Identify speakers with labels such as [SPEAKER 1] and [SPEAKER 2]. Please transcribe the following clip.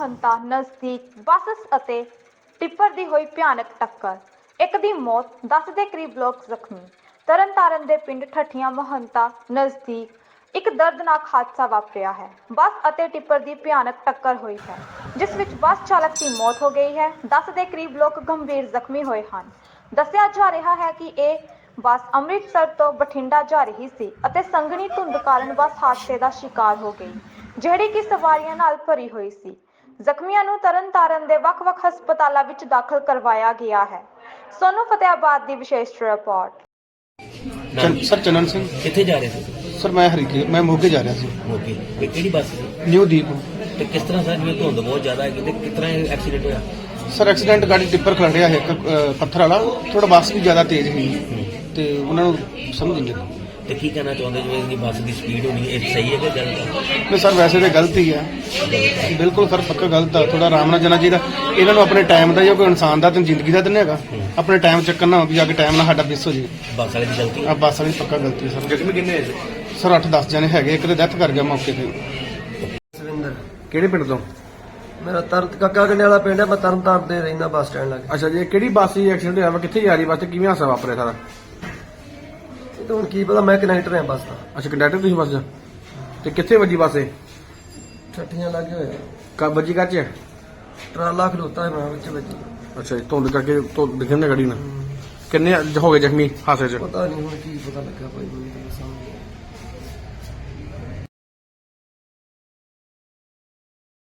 [SPEAKER 1] ਮਹੰਤਾ ਨਜ਼ਦੀਕ ਬੱਸ ਅਤੇ ਟਿੱਪਰ ਦੀ ਹੋਈ ਭਿਆਨਕ ਟੱਕਰ। ਇੱਕ ਦੀ ਮੌਤ, 10 ਦੇ ਕਰੀਬ ਲੋਕ ਜ਼ਖਮੀ। ਤਰਨਤਾਰਨ ਦੇ ਪਿੰਡ ਠੱਠੀਆਂ ਮਹੰਤਾ ਨਜ਼ਦੀਕ ਇੱਕ ਦਰਦਨਾਕ ਹਾਦਸਾ ਵਾਪਰਿਆ ਹੈ। ਬੱਸ ਅਤੇ ਟਿੱਪਰ ਦੀ ਭਿਆਨਕ ਟੱਕਰ ਹੋਈ ਹੈ, ਜਿਸ ਵਿੱਚ ਬੱਸ ਚਾਲਕ ਦੀ ਮੌਤ ਹੋ ਗਈ ਹੈ। 10 ਦੇ ਕਰੀਬ ਲੋਕ ਗੰਭੀਰ ਜ਼ਖਮੀ ਹੋਏ ਹਨ। ਦੱਸਿਆ ਜਾ ਰਿਹਾ ਹੈ ਕਿ ਇਹ ਬੱਸ ਅੰਮ੍ਰਿਤਸਰ ਤੋਂ ਬਠਿੰਡਾ ਜਾ ਰਹੀ ਸੀ ਅਤੇ ਸੰਘਣੀ ਧੁੰਦ ਕਾਰਨ ਬੱਸ ਹਾਦਸੇ ਦਾ ਸ਼ਿਕਾਰ ਹੋ ਗਈ, ਜਿਹੜੀ ਕਿ ਸਵਾਰੀਆਂ ਨਾਲ ਭਰੀ ਹੋਈ ਸੀ। ਜ਼ਖਮੀਆਂ ਨੂੰ ਤਰਨਤਾਰਨ ਦੇ ਵੱਖ-ਵੱਖ ਹਸਪਤਾਲਾਂ ਵਿੱਚ ਦਾਖਲ ਕਰਵਾਇਆ ਗਿਆ ਹੈ। ਸੋਨੂੰ ਫਤਿਆਬਾਦ ਦੀ ਵਿਸ਼ੇਸ਼ ਰਿਪੋਰਟ।
[SPEAKER 2] ਸਰ ਚੰਨਨ ਸਿੰਘ
[SPEAKER 3] ਕਿੱਥੇ ਜਾ ਰਹੇ ਸੀ?
[SPEAKER 2] ਸਰ ਮੈਂ ਮੋਗੇ ਜਾ ਰਿਹਾ ਸੀ।
[SPEAKER 3] ਮੋਗੇ ਤੇ ਕਿਹੜੀ ਬੱਸ ਸੀ?
[SPEAKER 2] ਨਿਊ ਦੀਪ।
[SPEAKER 3] ਤੇ ਕਿਸ ਤਰ੍ਹਾਂ ਸਰ ਜਿਵੇਂ ਧੁੰਦ ਬਹੁਤ ਜ਼ਿਆਦਾ ਹੈ ਤੇ ਕਿਸ ਤਰ੍ਹਾਂ ਐਕਸੀਡੈਂਟ ਹੋਇਆ?
[SPEAKER 2] ਸਰ ਐਕਸੀਡੈਂਟ ਗਾੜੀ ਟਿੱਪਰ ਖੜਿਆ ਹੈ ਇੱਕ ਪੱਥਰ ਵਾਲਾ, ਥੋੜਾ ਬੱਸ ਵੀ ਜ਼ਿਆਦਾ ਤੇਜ਼ ਸੀ ਤੇ ਉਹਨਾਂ ਨੂੰ ਸਮਝ ਨਹੀਂ ਲੱਗੀ।
[SPEAKER 3] ਤੇ ਕੀ ਕਹਿਣਾ ਚਾਹੁੰਦੇ ਜਿਵੇਂ ਇਨੀ ਬੱਸ ਦੀ ਸਪੀਡ ਹੋਣੀ ਇਹ ਸਹੀ ਹੈ ਕਿ ਗਲਤ ਹੈ?
[SPEAKER 2] ਨਹੀਂ ਸਰ, ਵੈਸੇ ਤਾਂ ਗਲਤ ਹੀ ਹੈ, ਬਿਲਕੁਲ ਸਰ ਪੱਕਾ ਗਲਤ ਆ। ਥੋੜਾ ਆਰਾਮ ਨਾਲ ਜਾਣਾ ਚਾਹੀਦਾ ਇਹਨਾਂ ਨੂੰ। ਆਪਣੇ ਟਾਈਮ ਦਾ, ਜਾਂ ਕੋਈ ਇਨਸਾਨ ਦਾ ਤੇ ਜ਼ਿੰਦਗੀ ਦਾ ਤਾਂ ਨਹੀਂ ਹੈਗਾ, ਆਪਣੇ ਟਾਈਮ ਚੱਕਰ ਨਾ ਹੋ ਵੀ ਜਾ ਕੇ ਟਾਈਮ ਨਾਲ ਸਾਡਾ ਮਿਸ ਹੋ ਜੇ।
[SPEAKER 3] ਬੱਸ ਵਾਲੇ ਦੀ ਗਲਤੀ?
[SPEAKER 2] ਆ ਬੱਸ ਵਾਲੀ ਪੱਕਾ ਗਲਤੀ ਹੈ ਸਰ।
[SPEAKER 3] ਜ਼ਖਮੀ ਕਿੰਨੇ ਹੈ
[SPEAKER 2] ਸਰ 8-10 ਜਣੇ ਹੈਗੇ, ਇੱਕ ਤੇ ਡੈਥ ਕਰ ਗਿਆ ਮੌਕੇ ਤੇ।
[SPEAKER 4] ਸੁਰਿੰਦਰ,
[SPEAKER 2] ਕਿਹੜੇ ਪਿੰਡ ਤੋਂ?
[SPEAKER 4] ਮੇਰਾ ਕਾਕਾ ਗੰਡੇ ਵਾਲਾ ਪਿੰਡ ਹੈ। ਮੈਂ ਤਰਨਤਾਰਨ ਦੇ ਰਹਿੰਦਾ ਬੱਸ ਸਟੈਂਡ ਲਾਗੇ।
[SPEAKER 2] ਅੱਛਾ ਜੀ, ਕਿਹੜੀ ਬੱਸ ਸੀ ਐਕਸੀਡੈਂਟ ਹੋਇਆ ਵਾ? ਕਿੱਥੇ ਜਾ ਰਹੀ ਬੱਸ ਤੇ ਕਿਵੇਂ ਹਾਦਸਾ ਵਾਪਰਿਆ ਸਾਰਾ?
[SPEAKER 4] ਇਹ ਤਾਂ ਹੁਣ ਕੀ ਪਤਾ, ਮੈਂ ਕਨੈਕਟਰ ਹਾਂ ਬੱਸ ਦਾ।
[SPEAKER 2] ਅੱਛਾ, ਕੰਡਕਟਰ ਤੁਸੀਂ ਬੱਸ ਦਾ? ਤੇ ਕਿੱਥੇ ਵੱਜੀ ਬੱਸ ਇਹ?
[SPEAKER 4] ਠੱਠੀਆਂ ਲੱਗੇ ਹੋਏ
[SPEAKER 2] ਕਾ ਵੱਜੀ ਕਾਚ ਹੈ?
[SPEAKER 4] ਟਰਾਲਾ ਖਲੋਤਾ ਹੈ ਮੈਂ ਵਿੱਚ ਵੱਜੀ।
[SPEAKER 2] ਅੱਛਾ ਜੀ, ਧੁੰਦ ਕਰਕੇ ਦਿਖਣ ਦੀ ਗੱਡੀ ਨਾਲ। ਕਿੰਨੇ ਹੋ ਗਏ ਜ਼ਖਮੀ ਹਾਦਸੇ 'ਚ?
[SPEAKER 4] ਪਤਾ ਨਹੀਂ ਹੁਣ ਕੀ ਪਤਾ ਲੱਗਾ, ਕੋਈ ਨਹੀਂ ਸਮਝ